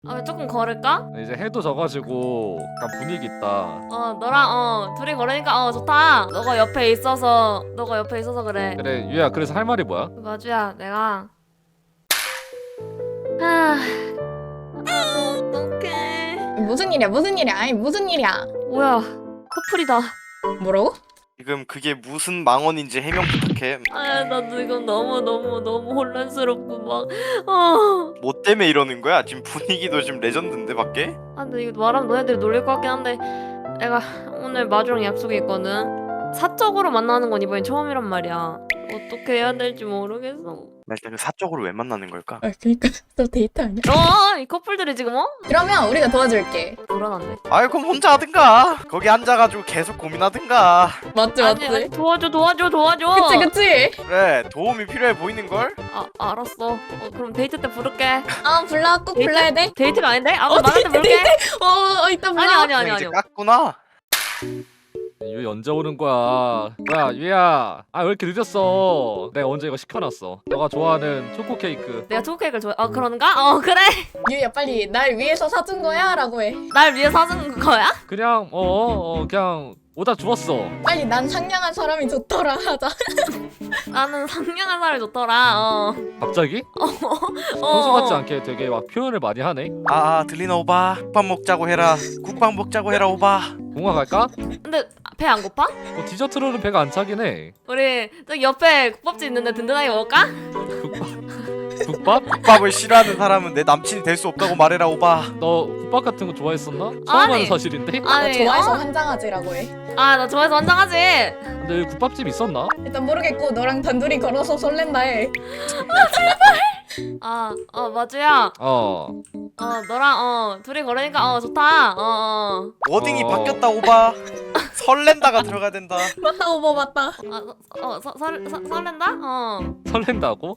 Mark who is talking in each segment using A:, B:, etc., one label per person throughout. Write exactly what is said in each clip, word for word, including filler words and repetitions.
A: 아, 조금 걸을까?
B: 이제 해도 져가지고 약간 분위기 있다.
A: 어, 너랑 어 둘이 걸으니까 어 좋다. 너가 옆에 있어서 너가 옆에 있어서 그래.
B: 그래 유야, 그래서 할 말이 뭐야?
A: 마주야, 내가 아, 아 어떡해.
C: 무슨 일이야 무슨 일이야 아니 무슨 일이야.
A: 뭐야, 커플이다.
C: 뭐라고?
D: 지금 그게 무슨 망언인지 해명 부탁해.
A: 아, 나 지금 너무 너무 너무 혼란스럽고 막 어.
D: 뭐 때문에 이러는 거야? 지금 분위기도 지금 레전드인데 밖에?
A: 아, 근데 이거 말하면 너네들이 놀릴 것 같긴 한데 내가 오늘 마주랑 약속이 있거든. 사적으로 만나는 건 이번이 처음이란 말이야. 어떻게 해야 될지 모르겠어.
D: 나 일단 그 사적으로 왜 만나는 걸까?
C: 아 그니까 너 데이트 아니야?
A: 어, 이 커플들이 지금 어?
C: 그러면 우리가 도와줄게.
A: 불안한데.
D: 아이 그럼 혼자 하든가. 거기 앉아가지고 계속 고민하든가.
C: 맞지
A: 아니,
C: 맞지?
A: 아니, 도와줘 도와줘 도와줘.
C: 그치 그치?
D: 그래 도움이 필요해 보이는걸?
A: 아, 알았어. 어, 그럼 데이트 때 부를게.
C: 아 불러 꼭
A: 데이트?
C: 불러야 돼?
A: 데이트가 아닌데? 아,
C: 어,
A: 그럼 나한테 부를게.
C: 어, 어 이따 불러.
A: 아니 아니 아니
D: 그냥 이제
A: 아니.
D: 깠구나.
B: 유 언제 오는 거야? 뭐야 유야, 아 왜 이렇게 늦었어? 내가 언제 이거 시켜놨어. 너가 좋아하는 초코 케이크.
A: 내가 초코 케이크를 좋아해. 어, 그런가? 어, 그래.
C: 유야 빨리 날 위해서 사준 거야? 라고 해.
A: 날 위해 사준 거야?
B: 그냥 어, 어 그냥 오다 주웠어.
C: 빨리 난 상냥한 사람이 좋더라 하자.
A: 나는 상냥한 사람이 좋더라. 어.
B: 갑자기?
A: 어.
B: 평소 같지 않게 되게 막 표현을 많이 하네.
D: 아 들리나 오바. 국밥 먹자고 해라. 국밥 먹자고 해라 오바.
B: 공화 갈까?
A: 근데 배 안 고파?
B: 뭐 디저트로는 배가 안 차긴 해.
A: 우리 저기 옆에 국밥집 있는데 든든하게 먹을까?
B: 국밥? 국밥?
D: 국밥을 싫어하는 사람은 내 남친이 될 수 없다고 말해라 오바.
B: 너 국밥 같은 거 좋아했었나? 처음
A: 아니.
B: 하는 사실인데?
C: 나
A: 아니,
C: 좋아해서
A: 어?
C: 환장하지라고 해.
A: 아, 나 좋아해서 환장하지.
B: 근데 여기 국밥집 있었나?
C: 일단 모르겠고 너랑 단둘이 걸어서 설렌다 해.
A: 아, 어, 마주야.
B: 어.
A: 어, 너랑 어 둘이 걸으니까 어 좋다. 어, 어.
D: 워딩이
B: 어.
D: 바뀌었다 오바. 설렌다가 들어가야 된다.
C: 맞다 오버 맞다.
A: 아, 어, 서, 설, 서, 설렌다? 어.
B: 설렌다고?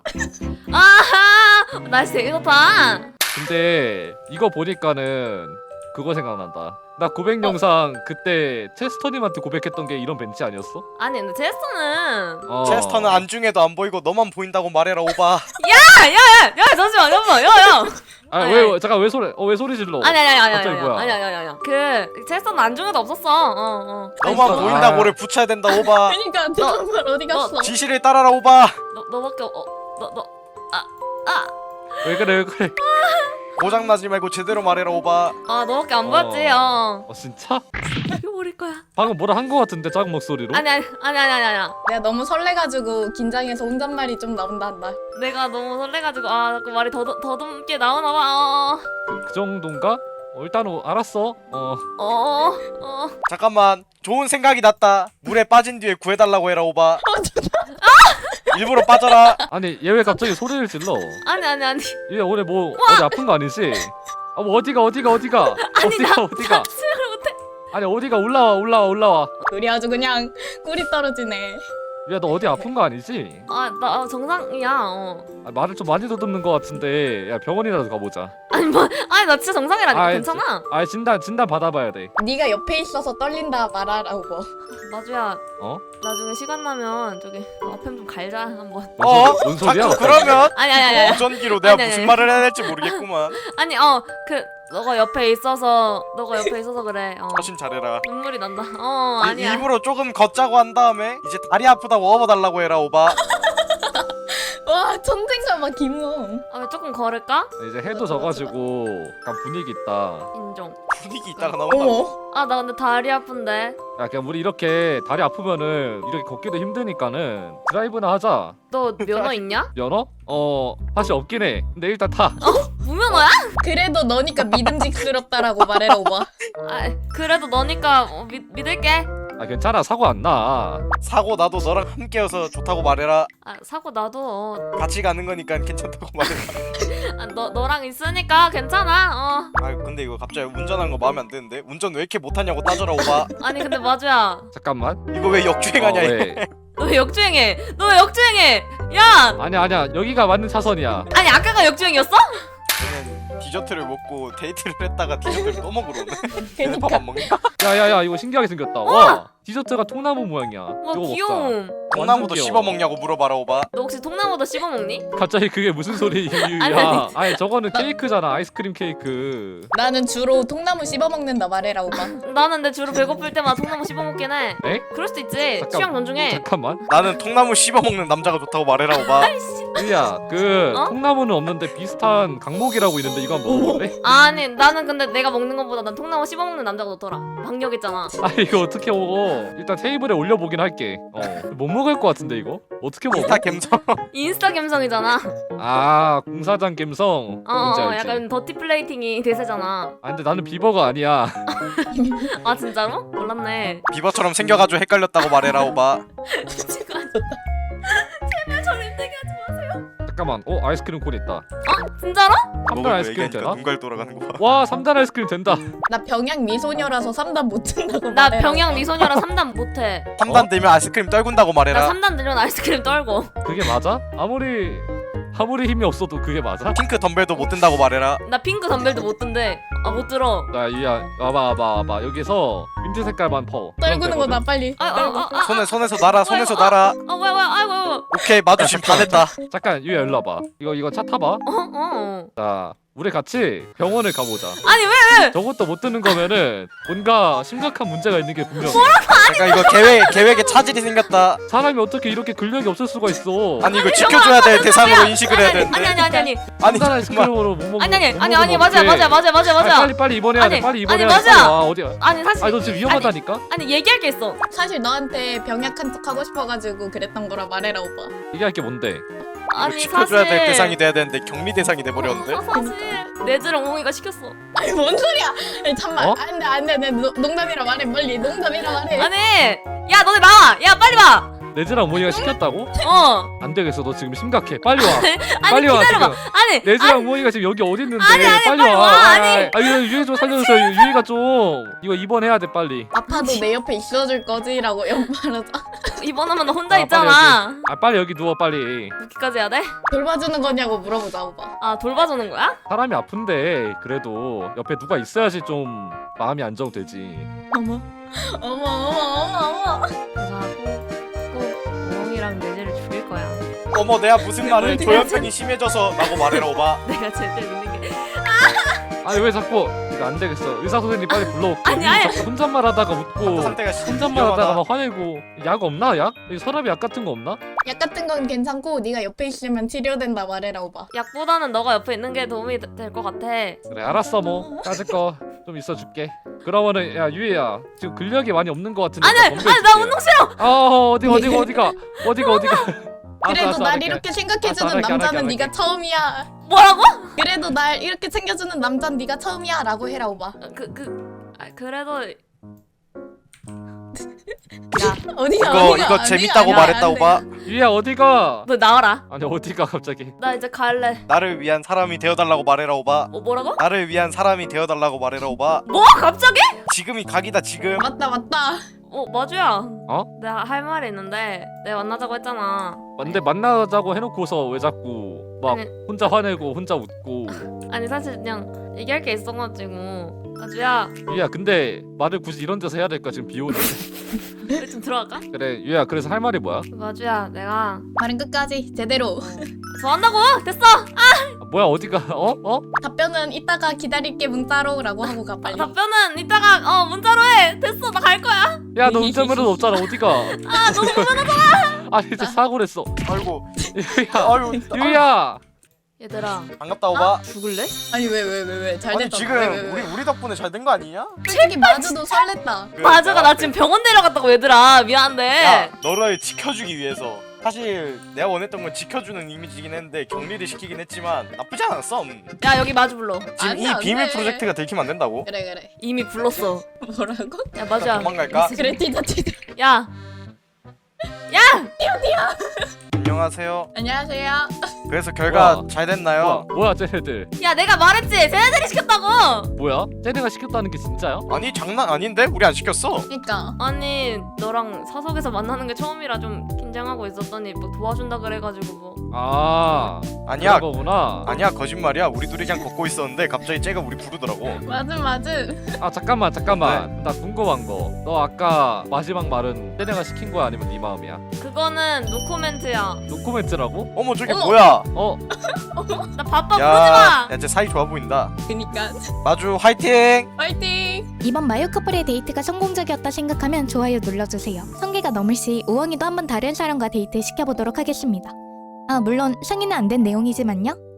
A: 아하! 날씨 되게 좋다.
B: 근데 이거 보니까는 그거 생각난다. 나 고백 영상 그때 체스터님한테 고백했던 게 이런 벤치 아니었어?
A: 아니, 근데 제스터는
B: 어.
D: 체스터는 안중에도 안 보이고 너만 보인다고 말해라 오바.
A: 야, 야, 야, 야, 잠시만, 잠시만, 야, 야.
B: 아,
A: 아니,
B: 왜,
A: 아니.
B: 왜 잠깐 왜 소리 어 왜 소리 질러?
A: 아니, 아니, 아니, 아니,
B: 갑자기
A: 아니,
B: 뭐야?
A: 아니, 아니, 아니, 아니. 그 제스터는 안중에도 없었어. 어, 어.
D: 너만
B: 아.
D: 보인다고를 붙여야 된다 오바.
C: 그러니까 저 정말 어디 갔어?
D: 지시를 따라라 오바.
A: 너, 너밖에 어, 너, 너, 아, 아,
B: 왜 그래 왜 그래?
D: 고장나지 말고 제대로 말해라 오바.
A: 아, 너밖에 안 보였지. 어.
B: 어 진짜?
A: 죽여버릴 거야.
B: 방금 뭐라 한 거 같은데 작은 목소리로?
A: 아니, 아니, 아니, 아니, 아니, 아니.
C: 내가 너무 설레가지고 긴장해서 혼잣말이 좀 나온다 한다.
A: 내가 너무 설레가지고 아, 그 말이 더더 더듬게 나오나 봐. 어,
B: 그, 그 정도인가? 어, 일단 어, 알았어. 어.
A: 어, 어, 어.
D: 잠깐만 좋은 생각이 났다. 물에 빠진 뒤에 구해달라고 해라 오바. 일부러 빠져라.
B: 아니 얘 왜 갑자기 소리를 질러?
A: 아니, 아니, 아니.
B: 얘 오늘 뭐 어디 아픈 거 아니지? 아 뭐 어디가 어디가 어디가?
A: 아니,
B: 어디가
A: 나
B: 어디가?
A: 수영을 못해.
B: 아니 어디가 올라와 올라와 올라와.
C: 우리 아주 그냥 꿀이 떨어지네.
B: 야 너 어디 아픈 거 아니지?
A: 아, 나 어, 정상이야. 어.
B: 아, 말을 좀 많이 더듬는 거 같은데 야 병원이라도 가보자.
A: 아니 뭐, 아니 나 진짜 정상이라니까.
B: 아이,
A: 괜찮아.
B: 아 진단 진단 받아봐야 돼.
C: 네가 옆에 있어서 떨린다 말하라고.
A: 마주야.
B: 어?
A: 나중에 시간 나면 저기 아팸 좀 갈자 한번.
B: 뭔,
D: 어?
B: 소리, 뭔 소리야?
D: 자꾸 그러면
A: 아니, 아니, 아니, 아니.
D: 무전기로 내가
A: 아니, 아니,
D: 무슨
A: 아니.
D: 말을 해야 될지 모르겠구만.
A: 아니, 어, 그 너가 옆에 있어서 너가 옆에 있어서 그래. 어.
D: 훨씬 잘해라.
A: 눈물이 난다. 어,
D: 이-
A: 아니야.
D: 일부러 조금 걷자고 한 다음에 이제 다리 아프다고 업어달라고 해라 오바.
C: 와 천생가마 김웅.
A: 아, 왜 조금 걸을까?
B: 이제 해도 져가지고 약간 분위기 있다.
A: 인정.
D: 분위기 있다가 나온다.
C: 어머.
A: 아, 나 근데 다리 아픈데.
B: 야 그냥 우리 이렇게 다리 아프면은 이렇게 걷기도 힘드니까는 드라이브나 하자.
A: 너 면허 있냐?
B: 면허? 어 사실 없긴 해. 근데 일단 타.
A: 무면허야?
C: 그래도 너니까 믿음직스럽다라고 말해라 오바.
A: 아, 그래도 너니까 어, 믿, 믿을게.
B: 아 괜찮아 사고 안 나.
D: 사고 나도 너랑 함께여서 좋다고 말해라.
A: 아, 사고 나도 어,
D: 같이 가는 거니까 괜찮다고 말해라.
A: 아, 너 너랑 있으니까 괜찮아. 어.
D: 아 근데 이거 갑자기 운전하는 거 마음에 안 드는데? 운전 왜 이렇게 못하냐고 따져라 오바.
A: 아니 근데 마주야.
B: 잠깐만.
D: 이거 왜 역주행하냐
B: 어,
D: 얘.
B: 왜?
A: 너 왜 역주행해? 너 왜 역주행해? 야!
B: 아니야 아니야 여기가 맞는 차선이야.
A: 아니 아까가 역주행이었어?
D: 얘는 디저트를 먹고 데이트를 했다가 디저트를 또 먹으러 오네. 얘는
C: 그니까.
D: 밥 안 먹냐?
B: 야야야 이거 신기하게 생겼다. 와 디저트가 통나무 모양이야.
A: 와
B: 이거 먹자.
A: 귀여움.
D: 통나무도
B: 귀여워.
D: 씹어 먹냐고 물어봐라 오바.
A: 너 혹시 통나무도 씹어 먹니?
B: 갑자기 그게 무슨 소리야?
A: 아니,
B: 아니, 아니 저거는 케이크잖아. 아이스크림 케이크.
C: 나는 주로 통나무 씹어먹는다 말해라 오빠.
A: 나는 내 주로 배고플 때마다 통나무 씹어 먹긴 해.
B: 에?
A: 그럴 수도 있지.
B: 잠깐.
A: 취향 존중해.
B: 잠깐만.
D: 나는 통나무 씹어 먹는 남자가 좋다고 말해라 오바.
B: 유야, 그
A: 어?
B: 통나무는 없는데 비슷한 강목이라고 있는데 이거 한번 먹어볼래?
A: 아니 나는 근데 내가 먹는 것보다 난 통나무 씹어 먹는 남자가 좋더라. 박력 있잖아.
B: 아 이거 어떻게 먹어? 일단 테이블에 올려보긴 할게. 어, 못 먹을 것 같은데 이거? 어떻게 먹어?
D: 인스타 갬성.
A: 인스타 감성이잖아.
B: 아 공사장 갬성.
A: 어,
B: 뭔지
A: 어
B: 알지?
A: 약간 더티 플레이팅이 대세잖아.
B: 아 근데 나는 비버가 아니야.
A: 아 진짜로? 몰랐네.
D: 비버처럼 생겨가지고 헷갈렸다고 말해라 오바.
A: 미치고 제발 저를 힘들게 하지 마세요.
B: 잠깐만. 어 아이스크림 콘 있다.
A: 어? 진짜로?
B: 삼 단 아이스크림 되나?
D: 눈갈 돌아가는 거 봐.
B: 와 삼 단 아이스크림 된다.
C: 나 병양 미소녀라서 삼 단 못 든다고
A: 나
C: 말해라.
A: 병양
C: 오빠.
A: 미소녀라 삼 단 못해.
D: 삼 단 되면 아이스크림 떨군다고
A: 나
D: 말해라.
A: 삼 단 들면 아이스크림 떨고.
B: 그게 맞아? 아무리 아무리 힘이 없어도 그게 맞아?
D: 핑크 덤벨도 못 든다고 말해라.
A: 나 핑크 덤벨도 못 든대. 아 못 들어.
B: 자 유야 와봐 와봐 와봐 여기서 민트 색깔만 퍼.
C: 떨구는
B: 그럼
C: 거나 빨리.
A: 아, 아, 아, 아,
D: 손에 손에서 날아 손에서
A: 어,
D: 날아.
A: 아 뭐야 뭐야 아이고 아이고.
D: 오케이 마주심 다 됐다.
B: 되거든. 잠깐 유야 일로 와봐. 이거 이거 차 타봐.
A: 어 어.
B: 자 우리 같이 병원을 가보자.
A: 아니 왜?
B: 저것도 못 드는 거면은 뭔가 심각한 문제가 있는 게 분명해.
D: 잠깐 이거 계획 계획에 차질이 생겼다.
B: 사람이 어떻게 이렇게 근력이 없을 수가 있어?
D: 아니 이거 지켜줘야 될 대상으로 인식을 해야
A: 아니 아니
D: 되는데.
A: 아니 아니 아니.
D: 아니
B: 삼단
D: 잠깐만.
B: 아이스크림으로 못 먹는
A: 아니 아니
B: 못
A: 아니
B: 먹으면
A: 아니 맞아
B: 어떡해.
A: 맞아 맞아 맞아
B: 아니,
A: 맞아.
B: 빨리 빨리 입원해야 돼.
A: 아니,
B: 빨리
A: 아니,
B: 입원해야 돼.
A: 맞아.
B: 빨리 와 어디야?
A: 아니 사실
B: 아니 너 지금 위험하다니까?
A: 아니 얘기할 게 있어.
C: 사실 너한테 병약한 척 하고 싶어가지고 그랬던 거라 말해라 오빠.
B: 얘기할 게 뭔데?
A: 아니
D: 지켜줘야
A: 사실
D: 될 대상이 돼야 되는데 격리 대상이 돼버렸는데.
A: 어, 사실 내즈를 엉덩이가 시켰어.
C: 아니 뭔 소리야? 아니, 잠만.
B: 어?
C: 안돼 안돼 내 농담이라 말해 빨리. 농담이라 말해.
A: 아니 야 너네 나와. 야 빨리 와.
B: 내즈랑 어머니가 시켰다고?
A: 어.
B: 안 되겠어. 너 지금 심각해. 빨리 와.
A: 아니
B: 빨리 와
A: 기다려봐.
B: 지금.
A: 아니
B: 내즈랑
A: 아니,
B: 어머니가 지금 여기 어디 있는데?
A: 아니, 아니,
B: 빨리,
A: 빨리
B: 와.
A: 와,
B: 아,
A: 아니.
B: 아, 이거 유희 좀 살려주세요. 유희가 좀 이거 입원해야 돼 빨리.
C: 아파도 내 옆에 있어줄 거지라고 연말하자.
A: 이번하면 너 혼자
B: 아,
A: 있잖아.
B: 빨리 여기. 아 빨리 여기 누워 빨리.
A: 묵기까지 해야 돼?
C: 돌봐주는 거냐고 물어보자 오빠.
A: 아 돌봐주는 거야?
B: 사람이 아픈데 그래도 옆에 누가 있어야지 좀 마음이 안정되지.
C: 어머 어머 어머 어머 어머.
A: 내가 꼭꼭 엉이랑 내즈를 죽일 거야.
D: 어머 내가 무슨 말을
A: 어디가
D: 조현병이 심해져서 라고 말해라 오바.
A: 내가 제일 믿는 게.
B: 아니 왜 자꾸 이거 안 되겠어. 의사 선생님 빨리 불러올게.
A: 아니, 아니.
B: 자꾸 혼잣말 하다가 웃고
D: 상태가
B: 혼잣말 하다가
D: 위험하다.
B: 막 화내고. 약 없나 약? 이 서랍에 약 같은 거 없나?
C: 약 같은 건 괜찮고 네가 옆에 있으면 치료된다 말해라 오빠.
A: 약보다는 너가 옆에 있는 게 도움이 될 것 같아.
B: 그래 알았어 뭐 까짓 거 좀 있어 줄게. 그러면은 야 유희야 지금 근력이 많이 없는 것 같은데.
A: 아니
B: 나
A: 아니
B: 덤벨
A: 나
B: 줄게.
A: 운동 싫어.
B: 아 어디 어디가 어디가 어디가 어디가. 알았어,
C: 그래도
B: 알았어,
C: 날
B: 알았게.
C: 이렇게
B: 알았어,
C: 생각해주는
B: 알았게,
C: 남자는
B: 알았게,
C: 네가
B: 알았게.
C: 처음이야.
A: 뭐라고?
C: 그래도 날 이렇게 챙겨주는 남자는 네가 처음이야 라고 해라 오빠.
A: 그 그 아, 그래도
C: 어디가
D: 이거
C: 어디가,
D: 이거
C: 어디가,
D: 재밌다고
C: 어디가,
D: 말했다
C: 안 돼.
D: 오바.
B: 유희야 어디가?
A: 너 나와라.
B: 아니 어디가 갑자기?
A: 나 이제 갈래.
D: 나를 위한 사람이 되어달라고 말해라 오바.
A: 어 뭐라고?
D: 나를 위한 사람이 되어달라고 말해라 오바.
A: 뭐 갑자기?
D: 지금이 각이다 지금.
C: 맞다 맞다.
A: 어 마주야.
B: 어?
A: 내가 할 말이 있는데 내가 만나자고 했잖아.
B: 근데 만나자고 해놓고서 왜 자꾸 막
A: 아니.
B: 혼자 화내고 혼자 웃고.
A: 아니 사실 그냥 얘기할 게 있어가지고. 마주야
B: 유희야 근데 말을 굳이 이런 데서 해야 될까 지금 비 오는데.
A: 우리 좀 들어갈까?
B: 그래 유희야 그래서 할 말이 뭐야?
A: 마주야 내가
C: 말은 끝까지 제대로.
A: 좋아한다고 됐어.
B: 아, 뭐야 어디가? 어? 어?
C: 답변은 이따가 기다릴게 문자로라고 하고 가 빨리.
A: 답변은 이따가 어 문자로 해. 됐어 나 갈 거야.
B: 야 너 운전면허 없잖아 어디가?
A: 아 너무 무난하다.
B: 아 이제 사고를 했어.
D: 아이고.
B: 유희야
D: 아유.
B: 유희야.
A: 얘들아
D: 반갑다 오바.
A: 죽을래?
C: 아니 왜 왜 왜 왜 잘
D: 아니
C: 됐다.
D: 지금
C: 왜, 왜, 왜.
D: 우리 우리 덕분에 잘 된 거 아니냐?
C: 솔직히 마주도 설렜다.
D: 그
A: 마주가
D: 내가
A: 나 지금 병원 데려갔다고 얘들아 미안한데.
D: 야 너를 지켜주기 위해서. 사실 내가 원했던 건 지켜주는 이미지긴 했는데 격리를 시키긴 했지만 나쁘지 않았어. 음.
A: 야 여기 마주 불러.
D: 지금
C: 안 돼,
D: 이
C: 안
D: 비밀
C: 돼.
D: 프로젝트가 들키면 안 된다고.
C: 그래 그래.
A: 이미 불렀어.
C: 뭐라고?
A: 야 마주야.
D: 도망갈까?
C: 그래 티자 티자.
A: 야. 야.
D: 안녕하세요.
C: 안녕하세요.
D: 그래서 결과
B: 우와.
D: 잘
B: 뭐야,
D: 됐나요?
B: 뭐야 쟤네들.
A: 야 내가 말했지. 쟤네들이 시켰다고.
B: 뭐야? 쟤네가 시켰다는 게 진짜야?
D: 아니 장난 아닌데? 우리 안 시켰어.
C: 그러니까
A: 아니 너랑 사석에서 만나는 게 처음이라 좀 긴장하고 있었더니 뭐 도와준다 그래가지고 뭐.
B: 아
D: 아니야.
B: 그런 거구나.
D: 아니야 거짓말이야. 우리 둘이 그냥 걷고 있었는데 갑자기 쟤가 우리 부르더라고.
C: 맞음 맞음.
B: 아 잠깐만 잠깐만 나 궁금한 거 너 아까 마지막 말은 쟤네가 시킨 거야 아니면 네 마음이야?
A: 그거는 노코멘트야.
B: 노코멘트라고?
D: 어머 저게
C: 어머.
D: 뭐야?
B: 어?
A: 나 바빠
D: 야,
A: 부르지마.
D: 야, 쟤 사이 좋아 보인다.
C: 그니까
D: 마주 화이팅!
C: 파이팅.
E: 이번 마유 커플의 데이트가 성공적이었다 생각하면 좋아요 눌러주세요. 성계가 넘을 시 우엉이도 한번 다른 사람과 데이트 시켜보도록 하겠습니다. 아 물론 승인은 안 된 내용이지만요.